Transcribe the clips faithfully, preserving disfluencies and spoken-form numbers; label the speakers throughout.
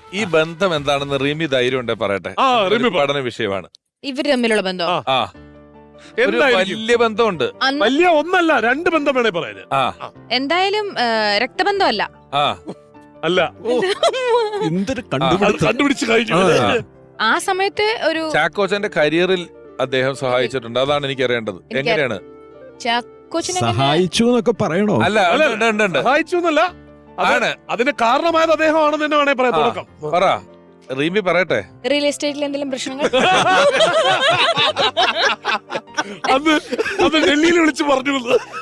Speaker 1: ഈ ബന്ധം എന്താണെന്ന് റിമി ധൈര്യം ഉണ്ടെ പറയട്ടെ. പഠന വിഷയമാണ്
Speaker 2: ഇവര് തമ്മിലുള്ള ബന്ധം.
Speaker 1: ആ ഒരു വലിയ ബന്ധമുണ്ട്.
Speaker 3: വലിയ ഒന്നല്ല, രണ്ട് ബന്ധം വേണേ പറയാന്.
Speaker 2: എന്തായാലും രക്തബന്ധമല്ല.
Speaker 1: ആ
Speaker 3: അല്ല,
Speaker 4: എന്തൊരു
Speaker 3: കണ്ടുപിടിച്ച് കഴിഞ്ഞു.
Speaker 2: ആ സമയത്ത് ഒരു
Speaker 1: ചാക്കോച്ചന്റെ കരിയറിൽ അദ്ദേഹം സഹായിച്ചിട്ടുണ്ട്. അതാണ് എനിക്ക് അറിയേണ്ടത്. എങ്ങനെയാണ്
Speaker 4: സഹായിച്ചു എന്നൊക്കെ പറയണോ?
Speaker 1: അല്ല,
Speaker 3: സഹായിച്ചു എന്നല്ല, അതിന് കാരണമായത് അദ്ദേഹമാണെന്ന് തന്നെ വേണേ പറയാം. തുടക്കം
Speaker 1: പറ, റീമി പറയട്ടെ.
Speaker 2: റിയൽ എസ്റ്റേറ്റിൽ എന്തെങ്കിലും പ്രശ്നങ്ങൾ
Speaker 3: അത് അത് ഡൽഹിയിൽ വിളിച്ച് പറഞ്ഞു.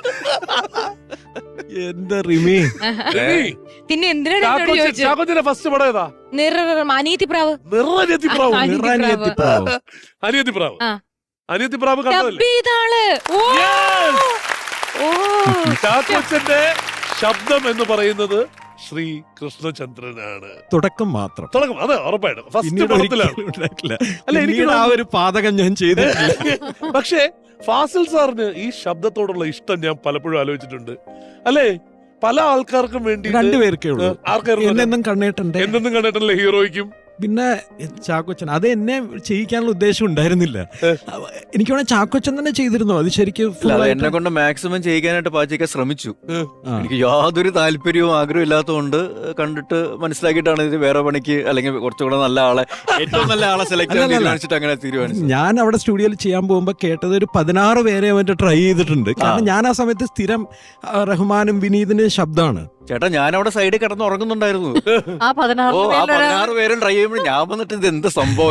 Speaker 4: എന്താ റിമി?
Speaker 2: പിന്നെ എന്തിനാണ്
Speaker 3: ഫസ്റ്റ് പടം ഏതാ?
Speaker 2: അനിയത്തിപ്രാവ്.
Speaker 3: അനിയത്തിപ്രാവ് അനിയത്തിപ്രാവ് അനിയത്തിപ്രാവ് കണ്ടതല്ലേ? ചാക്കോച്ചന്റെ ശബ്ദം എന്ന് പറയുന്നത് ശ്രീ കൃഷ്ണചന്ദ്രനാണ്.
Speaker 4: തുടക്കം മാത്രം,
Speaker 3: തുടക്കം അത് ഉറപ്പായിട്ടും ഫസ്റ്റ് പടത്തിലാണ്.
Speaker 4: അല്ല, എനിക്ക് ആ ഒരു പാതകം ഞാൻ ചെയ്തിട്ടില്ല.
Speaker 3: പക്ഷേ ഫാസിൽ സാറിന് ഈ ശബ്ദത്തോടുള്ള ഇഷ്ടം ഞാൻ പലപ്പോഴും ആലോചിച്ചിട്ടുണ്ട്. അല്ലേ, പല ആൾക്കാർക്കും വേണ്ടി
Speaker 4: രണ്ടുപേർക്കേ ഉള്ളൂ. എന്നെന്നും കണ്ണേട്ടന്റെ
Speaker 3: എന്തെന്നും കണ്ടിട്ടല്ലേ ഹീറോയ്ക്കും
Speaker 4: പിന്നെ ചാക്കോച്ചൻ. അത് എന്നെ ചെയ്യിക്കാനുള്ള ഉദ്ദേശം ഉണ്ടായിരുന്നില്ല. എനിക്ക് വേണേ ചാക്കോച്ചൻ തന്നെ ചെയ്തിരുന്നു. അത് ശരിക്കും
Speaker 5: എന്നെ കൊണ്ട് മാക്സിമം ചെയ്യിക്കാനായിട്ട് പാച്ചിക്കാൻ ശ്രമിച്ചു. എനിക്ക് യാതൊരു താല്പര്യവും ആഗ്രഹവും ഇല്ലാത്തതുകൊണ്ട് കണ്ടിട്ട് മനസ്സിലാക്കിയിട്ടാണ് ഇത് വേറെ പണിക്ക് അല്ലെങ്കിൽ കുറച്ചുകൂടെ നല്ല ആളെ, ഏറ്റവും നല്ല ആളെ സെലക്ട് ചെയ്യാൻ തീരുമാനിച്ചിട്ട് അങ്ങനെ തീരുമാനിച്ചു.
Speaker 4: ഞാൻ അവിടെ സ്റ്റുഡിയോയിൽ ചെയ്യാൻ പോകുമ്പോൾ കേട്ടത് ഒരു പതിനാറ് പേരെ അവന്റെ ട്രൈ ചെയ്തിട്ടുണ്ട്. കാരണം ഞാൻ ആ സമയത്ത് സ്ഥിരം റഹ്മാനും വിനീതിന്റെ ശബ്ദമാണ്.
Speaker 5: ചേട്ടാ, ഞാൻ അവിടെ സൈഡിൽ കിടന്ന് ഉറങ്ങുന്നുണ്ടായിരുന്നു. ഓ, ആ പതിനാറ് പേരും ട്രൈ ചെയ്യുമ്പോൾ ഞാൻ വന്നിട്ട് ഇത് എന്ത് സംഭവം.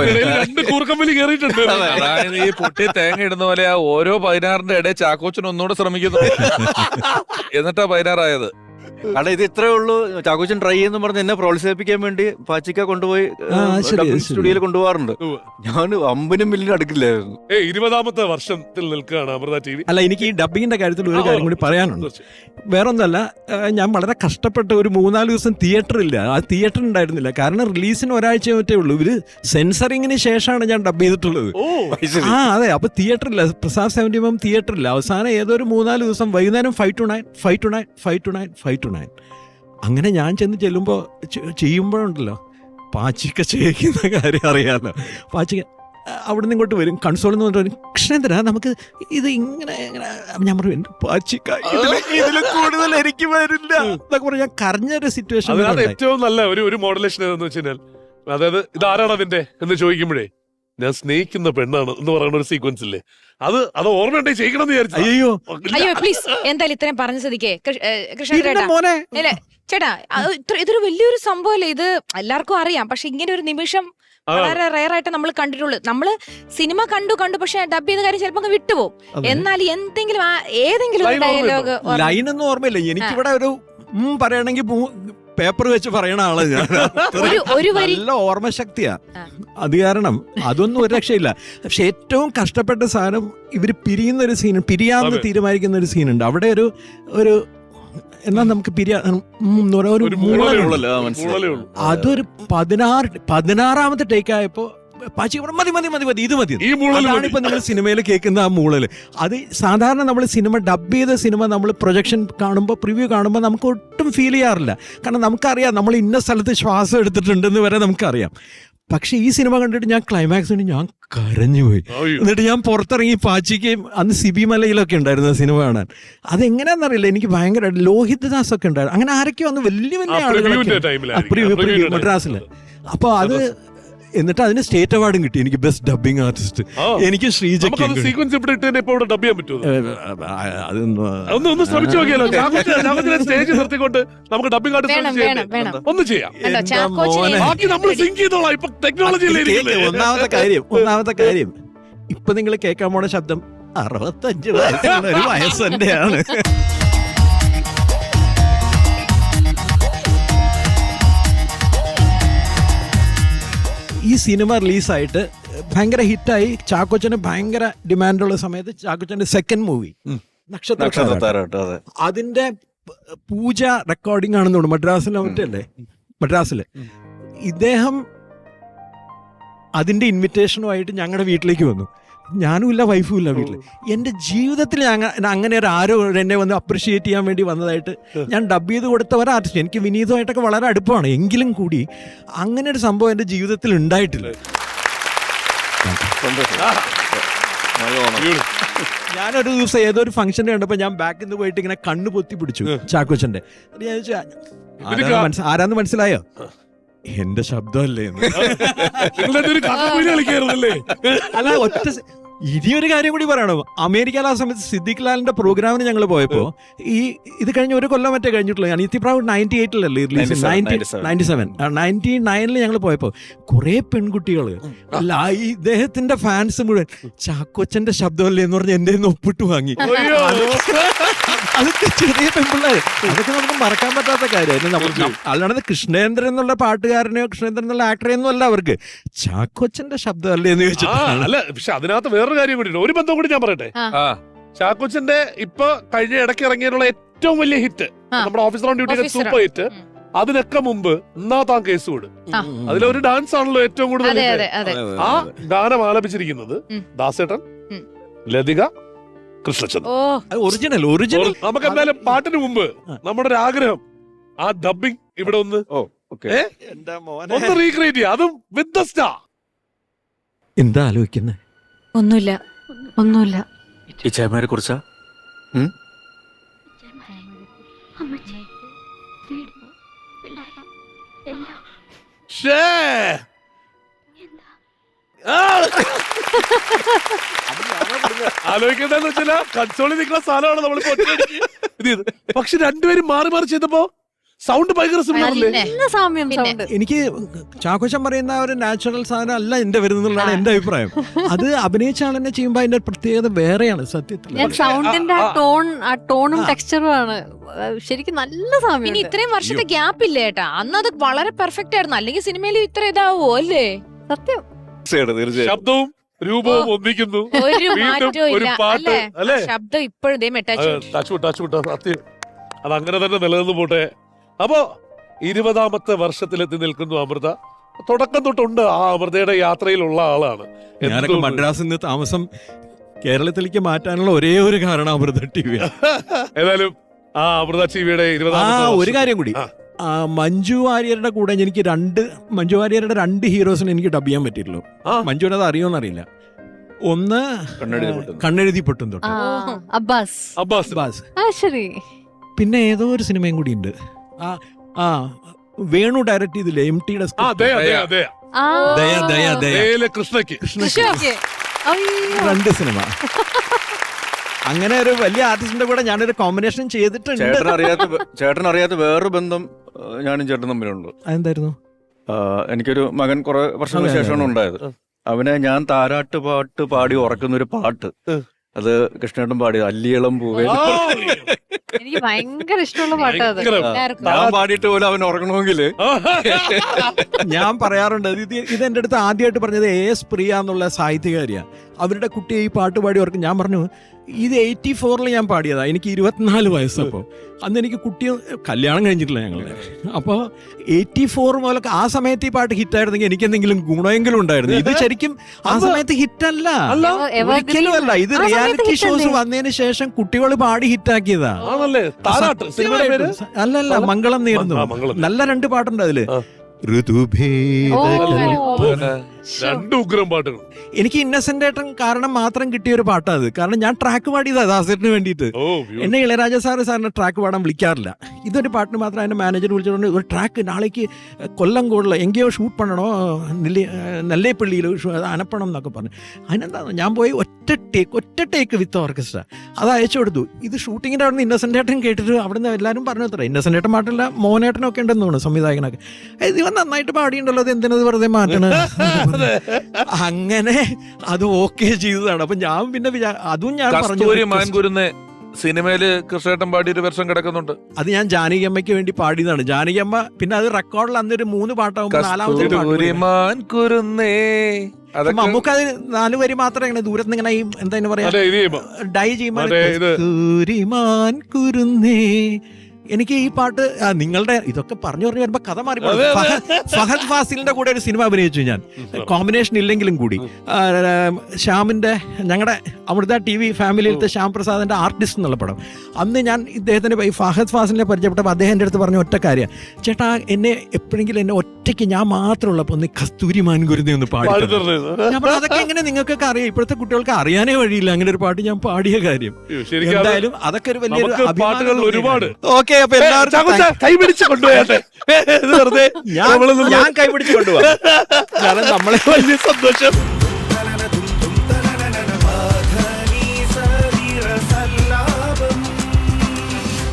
Speaker 1: അതായത് ഈ പൊട്ടി തേങ്ങ ഇടുന്ന പോലെ ആ ഓരോ പതിനാറിന്റെ ഇടയിൽ ചാക്കോച്ചൻ ഒന്നുകൂടെ ശ്രമിക്കുന്നു. എന്നിട്ടാ പതിനാറായത്.
Speaker 5: കാരണം ഇത് ഇത്രേ ഉള്ളൂ. ചാക്കോച്ചൻ ട്രൈ ചെയ്യുന്ന പറഞ്ഞ് എന്നെ പ്രോത്സാഹിപ്പിക്കാൻ വേണ്ടി പാച്ചിക്ക കൊണ്ടുപോയി സ്റ്റുഡിയോയിൽ കൊണ്ടുപോകാറുണ്ട്. ഞാൻ അമ്പനും മില്ലിന് അടുക്കില്ലായിരുന്നു.
Speaker 3: ഇരുപതാമത്തെ വർഷത്തിൽ നിൽക്കുകയാണ് അമൃത ടി വി.
Speaker 4: അല്ല, എനിക്ക് ഈ ഡബിങ്ങിന്റെ കാര്യത്തിൽ ഒരു കാര്യം കൂടി പറയാനുണ്ട്. വേറൊന്നല്ല, ഞാൻ വളരെ കഷ്ടപ്പെട്ട ഒരു മൂന്നാല് ദിവസം തിയേറ്റർ ഇല്ല. ആ തിയേറ്റർ ഉണ്ടായിരുന്നില്ല. കാരണം റിലീസിന് ഒരാഴ്ച മറ്റേ ഉള്ളൂ. ഇവര് സെൻസറിങ്ങിന് ശേഷമാണ് ഞാൻ ഡബ് ചെയ്തിട്ടുള്ളത്. ആ അതെ, അപ്പൊ തിയേറ്റർ ഇല്ല. പ്രസാദ് സെവന്റി എം തിയേറ്റർ ഇല്ല. അവസാനം ഏതോ ഒരു മൂന്നാല് ദിവസം വൈകുന്നേരം five two nine five two nine five two nine five two nine അങ്ങനെ ഞാൻ ചെന്ന് ചെല്ലുമ്പോൾ ചെയ്യുമ്പോഴുണ്ടല്ലോ പാച്ചിക്ക ചെയ്യിക്കുന്ന കാര്യം അറിയാമല്ലോ. പാച്ചിക്ക അവിടെ നിന്ന് ഇങ്ങോട്ട് വരും, കൺസോളിൽ നിന്ന് പറഞ്ഞിട്ട് കൃഷ്ണേന്ദ്ര നമുക്ക് ഇത് ഇങ്ങനെ ഞാൻ പറയും പാച്ചിക്ക ഇതിൽ കൂടുതൽ എനിക്ക് വരില്ല എന്നൊക്കെ പറഞ്ഞ് ഞാൻ കരഞ്ഞൊരു സിറ്റുവേഷൻ.
Speaker 3: ഏറ്റവും നല്ല ഒരു ഒരു മോഡുലേഷൻ ഏതെന്ന് വെച്ച് കഴിഞ്ഞാൽ, അതായത് ഇതാരാണ് അതിന്റെ എന്ന് ചോദിക്കുമ്പോഴേ ഞാൻ സ്നേഹിക്കുന്ന പെണ്ണാണ് എന്ന് പറയുന്ന ഒരു സീക്വൻസ് ഇല്ലേ, അത് അത് ഓർമ്മയുണ്ടെ ചെയ്യണം എന്ന് വിചാരിച്ചു.
Speaker 4: അയ്യോ
Speaker 2: അയ്യോ പ്ലീസ്, എന്തായാലും ഇത്രയും പറഞ്ഞ സ്ഥിതിക്ക് കൃഷ്ണ ചേട്ടാ, ഇതൊരു വലിയൊരു സംഭവമല്ലേ. ഇത് എല്ലാവർക്കും അറിയാം. പക്ഷെ ഇങ്ങനെ ഒരു നിമിഷം വളരെ റയർ ആയിട്ട് നമ്മൾ കണ്ടിട്ടുള്ളൂ. നമ്മള് സിനിമ കണ്ടു കണ്ടു പക്ഷെ ഡബ് ചെയ്ത കാര്യം ചിലപ്പോ വിട്ടുപോകും. എന്നാൽ എന്തെങ്കിലും ഏതെങ്കിലും ഡയലോഗ്
Speaker 4: ലൈനൊന്നും ഓർമ്മയില്ല. എനിക്കിവിടെ ഒരു പറയണെങ്കിൽ പേപ്പർ വെച്ച് പറയണ ആള് ഞാൻ. നല്ല ഓർമ്മശക്തിയാ. അത് കാരണം അതൊന്നും ഒരു രക്ഷയില്ല. പക്ഷെ ഏറ്റവും കഷ്ടപ്പെട്ട സാധനം ഇവര് പിരിയുന്ന ഒരു സീൻ, പിരിയാന്ന് തീരുമാനിക്കുന്ന ഒരു സീനുണ്ട്. അവിടെ ഒരു ഒരു എന്നാ നമുക്ക് പിരിയാ അതൊരു പതിനാറ് പതിനാറാമത്തെ ടേക്ക് ആയപ്പോ പാച്ചി മതി മതി മതി മതി ഇത് മതി. അതാണ് ഇപ്പൊ നിങ്ങൾ സിനിമയിൽ കേൾക്കുന്ന ആ മൂളല്. അത് സാധാരണ നമ്മൾ സിനിമ ഡബ് ചെയ്ത സിനിമ നമ്മൾ പ്രൊജക്ഷൻ കാണുമ്പോൾ പ്രിവ്യൂ കാണുമ്പോൾ നമുക്ക് ഒട്ടും ഫീൽ ചെയ്യാറില്ല. കാരണം നമുക്കറിയാം നമ്മൾ ഇന്ന സ്ഥലത്ത് ശ്വാസം എടുത്തിട്ടുണ്ടെന്ന് വരെ നമുക്കറിയാം. പക്ഷെ ഈ സിനിമ കണ്ടിട്ട് ഞാൻ ക്ലൈമാക്സിന് ഞാൻ കരഞ്ഞുപോയി. എന്നിട്ട് ഞാൻ പുറത്തിറങ്ങി പാച്ചിക്കയും അന്ന് സിബി മലയിലൊക്കെ ഉണ്ടായിരുന്നു സിനിമ കാണാൻ. അതെങ്ങനെയാണെന്നറിയില്ല, എനിക്ക് ഭയങ്കര ലോഹിത് ദാസ് ഒക്കെ ഉണ്ടായിരുന്നു. അങ്ങനെ ആരൊക്കെയോ അന്ന് വലിയ വലിയ ആളുകളൊക്കെ മദ്രാസില്. അപ്പൊ അത് എന്നിട്ട് അതിന് സ്റ്റേറ്റ് അവാർഡും കിട്ടി എനിക്ക്, ബെസ്റ്റ് ഡബിങ് ആർട്ടിസ്റ്റ്. എനിക്ക് ശ്രീജയ്ക്ക് ഒന്നാമത്തെ കാര്യം ഒന്നാമത്തെ കാര്യം ഇപ്പൊ നിങ്ങൾ കേൾക്കാൻ പോണ ശബ്ദം അറുപത്തഞ്ച് വയസ്സുള്ള ഒരു വയസ്സ് തന്നെയാണ്. ഈ സിനിമ റിലീസായിട്ട് ഭയങ്കര ഹിറ്റായി. ചാക്കോച്ചന് ഭയങ്കര ഡിമാൻഡുള്ള സമയത്ത് ചാക്കോച്ചന്റെ സെക്കൻഡ് മൂവി നക്ഷത്ര, അതിന്റെ പൂജ റെക്കോർഡിംഗ് ആണെന്ന് തോന്നുന്നു മദ്രാസിലെ മറ്റല്ലേ മദ്രാസില്. ഇദ്ദേഹം അതിന്റെ ഇൻവിറ്റേഷനുമായിട്ട് ഞങ്ങളുടെ വീട്ടിലേക്ക് വന്നു. ഞാനും ഇല്ല വൈഫും ഇല്ല വീട്ടിൽ. എൻ്റെ ജീവിതത്തിൽ ഞാൻ അങ്ങനെ ഒരു ആരോ എന്നെ വന്ന് അപ്രിഷിയേറ്റ് ചെയ്യാൻ വേണ്ടി വന്നതായിട്ട് ഞാൻ ഡബ് ചെയ്ത് കൊടുത്ത ഒരു ആർട്ടിസ്റ്റ്. എനിക്ക് വിനീതമായിട്ടൊക്കെ വളരെ അടുപ്പമാണ്, എങ്കിലും കൂടി അങ്ങനെ ഒരു സംഭവം എൻ്റെ ജീവിതത്തിൽ ഉണ്ടായിട്ടില്ല. ഞാനൊരു ദിവസം ഏതോ ഒരു ഫംഗ്ഷൻ കണ്ടപ്പോൾ ഞാൻ ബാക്കിൽ നിന്ന് പോയിട്ട് ഇങ്ങനെ കണ്ണ് പൊത്തി പിടിച്ചു ചാക്കോച്ചന്റെ. ഞാൻ ചോദിച്ചു ആരാന്ന് മനസ്സിലായോ? എന്റെ ശബ്ദമല്ലേ എന്ന്. അല്ല, ഒറ്റ ഇനിയൊരു കാര്യം കൂടി പറയണോ, അമേരിക്കയിൽ ആ സമയത്ത് സിദ്ദിഖ് ലാലിന്റെ പ്രോഗ്രാമിന് ഞങ്ങൾ പോയപ്പോ, ഈ ഇത് കഴിഞ്ഞ ഒരു കൊല്ലം മറ്റേ കഴിഞ്ഞിട്ടുള്ളൂ. അനിത്യപ്രാവ് നയൻറ്റി എയ്റ്റിലല്ലേ റിലീസ്, നയൻറ്റി സെവൻ നയൻറ്റി നയനിൽ ഞങ്ങൾ പോയപ്പോ കുറെ പെൺകുട്ടികള് അല്ല ഇദ്ദേഹത്തിന്റെ ഫാൻസ് മുഴുവൻ ചാക്കോച്ചന്റെ ശബ്ദമല്ലേ എന്ന് പറഞ്ഞ് എന്റെ ഒപ്പിട്ട് വാങ്ങി. അതൊക്കെ ചെറിയ പെൺപിള്ളേർ, അതൊക്കെ നമുക്ക് മറക്കാൻ പറ്റാത്ത കാര്യമായിരുന്നു. അല്ലാണ്ട് കൃഷ്ണേന്ദ്രൻ എന്നുള്ള പാട്ടുകാരനെയോ കൃഷ്ണേന്ദ്രൻ എന്നുള്ള ആക്ടറെയൊന്നും അല്ല അവർക്ക്, ചാക്കോച്ചന്റെ ശബ്ദമല്ലേ എന്ന് ചോദിച്ചിട്ടാണ്.
Speaker 3: അല്ല, പക്ഷെ അതിനകത്ത് വേറൊരു കാര്യം കൂടി, ഒരു ബന്ധം കൂടി ഞാൻ പറയട്ടെ. ചാക്കോച്ചന്റെ ഇപ്പൊ കഴിഞ്ഞ ഇടയ്ക്ക് ഇറങ്ങിയുള്ള ഏറ്റവും വലിയ ഹിറ്റ് നമ്മുടെ ഓഫീസർ ഓൺ ഡ്യൂട്ടിയുടെ സൂപ്പർ ഹിറ്റ്, അതിനൊക്കെ മുമ്പ് എന്നാ താൻ കേസ് കൊടു, അതിലൊരു ഡാൻസ് ആണല്ലോ ഏറ്റവും കൂടുതൽ. ആ ഗാനം ആലപിച്ചിരിക്കുന്നത് ദാസേട്ടൻ, ലതിക, കൃഷ്ണചന്ദ്രൻ.
Speaker 4: Original original.
Speaker 3: നമുക്ക് എന്തായാലും പാട്ടിന് മുമ്പ് നമ്മുടെ ഒരു ആഗ്രഹം, ആ ഡബിങ് ഇവിടെ ഒന്ന് ഒന്ന് റീക്രിയേറ്റ് ചെയ്യാം, അതും വിത്ത് ദ സ്റ്റാർ.
Speaker 4: എന്താ ആലോചിക്കുന്നേ?
Speaker 2: ഒന്നുമില്ല ഒന്നുമില്ല.
Speaker 5: ഇച്ചായ്മാരെ കുറിച്ചാ?
Speaker 3: ആലോചിക്കേണ്ടതെന്ന് വെച്ചാൽ കൺസോളിൽ നിൽക്കുന്ന സാധനമാണ് നമ്മൾ ഇത് ചെയ്ത്. പക്ഷെ രണ്ടുപേരും മാറി മാറി ചെയ്തപ്പോ സൗണ്ട് ഭയങ്കര സിമിലർ.
Speaker 4: എനിക്ക് ചാക്കോച്ചൻ പറയുന്ന ഒരു നാച്ചുറൽ സാധനം അല്ല എന്റെ വരുന്നതാണ് എന്റെ അഭിപ്രായം. അത് അഭിനയിച്ച ആൾ തന്നെ ചെയ്യുമ്പോ അതിന്റെ പ്രത്യേകത വേറെയാണ് സത്യത്തിൽ.
Speaker 6: സൗണ്ടിന്റെ ആ ടോൺ ആ ടോണും ടെക്സ്ചറും ആണ് ശരിക്കും നല്ല സാമ്യം.
Speaker 2: ഇനി ഇത്രയും വർഷത്തെ ഗ്യാപ്പ് ഇല്ല ഏട്ടാ, അന്ന് അത് വളരെ പെർഫെക്റ്റ് ആയിരുന്നു. അല്ലെങ്കിൽ സിനിമയിൽ ഇത്ര ഇതാവോ അല്ലേ?
Speaker 6: സത്യം.
Speaker 3: ശബ്ദവും രൂപവും ഒന്നിക്കുന്നു,
Speaker 2: ഒരു മാറ്റവും
Speaker 3: ഒരു
Speaker 2: ഇല്ല
Speaker 3: പാട്ട് അല്ലേ?
Speaker 2: ശബ്ദം ഇപ്പോഴും
Speaker 3: സത്യം, അത് അങ്ങനെ തന്നെ നിലനിന്ന് പോട്ടെ. അപ്പോ ഇരുപതാമത്തെ വർഷത്തിലെത്തി നിൽക്കുന്നു അമൃത. തുടക്കം തൊട്ടുണ്ട് ആ അമൃതയുടെ യാത്രയിലുള്ള ആളാണ്.
Speaker 4: ഞാനൊക്കെ മദ്രാസിൽ നിന്ന് താമസം കേരളത്തിലേക്ക് മാറ്റാനുള്ള ഒരേ ഒരു കാരണം അമൃത ടി വി.
Speaker 3: ഏതായാലും ആ അമൃത ടി വിയുടെ ഇരുപതാമത്തെ
Speaker 4: ഒരു കാര്യം കൂടി, മഞ്ജു വാര്യരുടെ കൂടെ എനിക്ക് രണ്ട് മഞ്ജു വാര്യരുടെ രണ്ട് ഹീറോസിനെ എനിക്ക് ഡബ് ചെയ്യാൻ പറ്റിയിട്ടുള്ളൂ. മഞ്ജുവിന് അത് അറിയോന്ന് അറിയില്ല. ഒന്ന് കണ്ണെഴുതി പൊട്ടും തൊട്ട്
Speaker 6: അബ്ബാസ്
Speaker 3: അബ്ബാസ്,
Speaker 6: ശരി.
Speaker 4: പിന്നെ ഏതോ ഒരു സിനിമയും കൂടി ഉണ്ട്, ആ ആ വേണു ഡയറക്ട് ചെയ്തില്ലേ എം ടിയുടെ
Speaker 3: കൃഷ്ണയ്ക്ക്
Speaker 4: രണ്ട് സിനിമ. അങ്ങനെ ഒരു വലിയ ആർട്ടിസ്റ്റിന്റെ കൂടെ ഞാനൊരു കോമ്പിനേഷൻ ചെയ്തിട്ടുണ്ട്.
Speaker 5: ചേട്ടൻ അറിയാത്ത ചേട്ടൻ അറിയാത്ത വേറൊരു ബന്ധം ഞാനും ചേട്ടൻ തമ്മിലുണ്ട്.
Speaker 4: അതെന്തായിരുന്നു?
Speaker 5: എനിക്കൊരു മകൻ കുറെ വർഷങ്ങൾക്ക് ശേഷമാണ് ഉണ്ടായത്. അവനെ ഞാൻ താരാട്ട് പാട്ട് പാടി ഉറക്കുന്ന ഒരു പാട്ട്, അത് കൃഷ്ണേട്ടൻ പാടിയത് അല്ലിയളം പൂവേ.
Speaker 6: എനിക്ക് ഭയങ്കര ഇഷ്ടമുള്ള പാട്ടാണ്.
Speaker 5: ഞാൻ പാടിയിട്ട് പോലും അവൻ ഉറങ്ങണമെങ്കിൽ
Speaker 4: ഞാൻ പറയാറുണ്ട്, ഇത് ഇത് എന്റെ അടുത്ത് ആദ്യമായിട്ട് പറഞ്ഞത് എ എസ് പ്രിയ എന്നുള്ള സാഹിത്യകാരിയാ. അവരുടെ കുട്ടിയെ ഈ പാട്ട് പാടി ഓർക്കും. ഞാൻ പറഞ്ഞു ഇത് എയ്റ്റി ഫോറിൽ ഞാൻ പാടിയതാ, എനിക്ക് ഇരുപത്തിനാല് വയസ്സപ്പോൾ. അന്ന് എനിക്ക് കുട്ടി കല്യാണം കഴിഞ്ഞിട്ടില്ല ഞങ്ങളുടെ. അപ്പോൾ എയ്റ്റി ഫോർ മുതലൊക്കെ ആ സമയത്ത് ഈ പാട്ട് ഹിറ്റായിരുന്നെങ്കിൽ എനിക്ക് എന്തെങ്കിലും ഗുണമെങ്കിലും ഉണ്ടായിരുന്നു. ഇത് ശരിക്കും ആ സമയത്ത് ഹിറ്റല്ല, ഒരിക്കലും അല്ല. ഇത് റിയാലിറ്റി ഷോസ് വന്നതിന് ശേഷം കുട്ടികൾ പാടി ഹിറ്റാക്കിയതാ. അല്ലല്ല, മംഗളം നേർന്നു. നല്ല രണ്ട് പാട്ടുണ്ട് അതില്.
Speaker 3: രണ്ട് ഉഗ്രം പാട്ടുകൾ.
Speaker 4: എനിക്ക് ഇന്നസെന്റ് ഏട്ടൻ കാരണം മാത്രം കിട്ടിയ ഒരു പാട്ടാ അത്. കാരണം ഞാൻ ട്രാക്ക് പാടിയതാ ദാസേട്ടന് വേണ്ടിയിട്ട്. എന്നെ ഇളയരാജ സാറ് സാറിന് ട്രാക്ക് പാടാൻ വിളിക്കാറില്ല. ഇതൊരു പാട്ടിന് മാത്രം അതിന്റെ മാനേജർ വിളിച്ചിട്ടുണ്ട്, ഒരു ട്രാക്ക് നാളേക്ക് കൊല്ലം കൂടുതൽ എങ്കയോ ഷൂട്ട് പണണോ, നെല്ലി നെല്ലേപ്പള്ളിയിൽ അനപ്പണം എന്നൊക്കെ പറഞ്ഞു. അതിനെന്താ ഞാൻ പോയി ഒറ്റ ടേക്ക് ഒറ്റ ടേക്ക് വിത്ത് ഓർക്കസ്ട്ര അത് അയച്ചു കൊടുത്തു. ഇത് ഷൂട്ടിങ്ങിന്റെ അവിടെ നിന്ന് ഇന്നസെന്റ് ഏട്ടൻ കേട്ടിട്ട് അവിടെ നിന്ന് എല്ലാവരും പറഞ്ഞു അത്ര ഇന്നസെന്റ് ഏട്ടൻ പാട്ടില്ല, മോനേട്ടനൊക്കെ ഉണ്ടെന്ന് തോന്നുന്നു സംവിധായകനൊക്കെ. ഇവൻ നന്നായിട്ട് പാടിയുണ്ടല്ലോ, അത് എന്തിനത് വെറുതെ മാറ്റണ. അങ്ങനെ അത് ഓക്കെ ചെയ്തതാണ്. അപ്പൊ ഞാൻ പിന്നെ അതും ഞാൻ പറഞ്ഞു,
Speaker 1: സിനിമയില് കൃഷ്ണേട്ടൻ പാടിയൊരു വെർഷൻ കിടക്കുന്നുണ്ട്.
Speaker 4: അത് ഞാൻ ജാനകിയമ്മയ്ക്ക് വേണ്ടി പാടിയതാണ്. ജാനകിയമ്മ പിന്നെ അത് റെക്കോർഡിൽ അന്നൊരു മൂന്ന് പാട്ടാകുമ്പോൾ നാലാമത്തെ നമുക്ക് അത് നാല് വരി മാത്രം ഇങ്ങനെ ദൂരത്ത് ഇങ്ങനെ എന്താ പറയാ ഡൈ ചെയ്യുമ്പോൾ കുരുന്നേ എനിക്ക് ഈ പാട്ട് ആ, നിങ്ങളുടെ ഇതൊക്കെ പറഞ്ഞു പറഞ്ഞു വരുമ്പോ കഥ മാറി പോകും. ഫഹ- ഫഹദ് ഫാസിലിന്റെ കൂടെ ഒരു സിനിമ അഭിനയിച്ചു ഞാൻ, കോമ്പിനേഷൻ ഇല്ലെങ്കിലും കൂടി. ആ, ശ്യാമിന്റെ ഞങ്ങളുടെ അമൃത ടി വി ഫാമിലിയിലത്തെ ശ്യാം പ്രസാദിന്റെ ആർട്ടിസ്റ്റ് എന്നുള്ള പടം. അന്ന് ഞാൻ ഇദ്ദേഹത്തിന് ഈ ഫഹദ് ഫാസിലിനെ പരിചയപ്പെട്ടപ്പോൾ അദ്ദേഹം എൻ്റെ അടുത്ത് പറഞ്ഞ ഒറ്റ കാര്യം, ചേട്ടാ എന്നെ എപ്പോഴെങ്കിലും എന്നെ ഒറ്റയ്ക്ക് ഞാൻ മാത്രമുള്ളപ്പോൾ ഒന്ന് കസ്തൂരി മാൻകുരുതി ഒന്ന് പാടി
Speaker 3: പാടി
Speaker 4: തരണം."
Speaker 3: തരുന്നത്.
Speaker 4: ഞാൻ പറഞ്ഞു, അതൊക്കെ എങ്ങനെ നിങ്ങൾക്കൊക്കെ അറിയാം, ഇപ്പോഴത്തെ കുട്ടികൾക്ക് അറിയാനേ വഴിയില്ല അങ്ങനെ ഒരു പാട്ട് ഞാൻ പാടിയ കാര്യം.
Speaker 3: ശരിക്കും അത്
Speaker 4: എന്തായാലും അതൊക്കെ ഒരു വലിയൊരു
Speaker 3: നമുക്ക്
Speaker 4: അഭിമാനം
Speaker 3: പാട്ടുകൾ
Speaker 4: തോന്നിയ
Speaker 3: ഒരുപാട്.
Speaker 4: കാര്യം. ഓക്കെ, അപ്പൊ എല്ലാവർക്കും
Speaker 3: ചാക്കോച്ച കൈ പിടിച്ച് കൊണ്ടുപോയാട്ടെ. ഇത് വെറുതെ
Speaker 4: ഞാൻ
Speaker 3: നമ്മള്
Speaker 4: ഞാൻ കൈപിടിച്ച് കൊണ്ടുപോകാം. കാരണം നമ്മളെ
Speaker 3: വലിയ സന്തോഷം.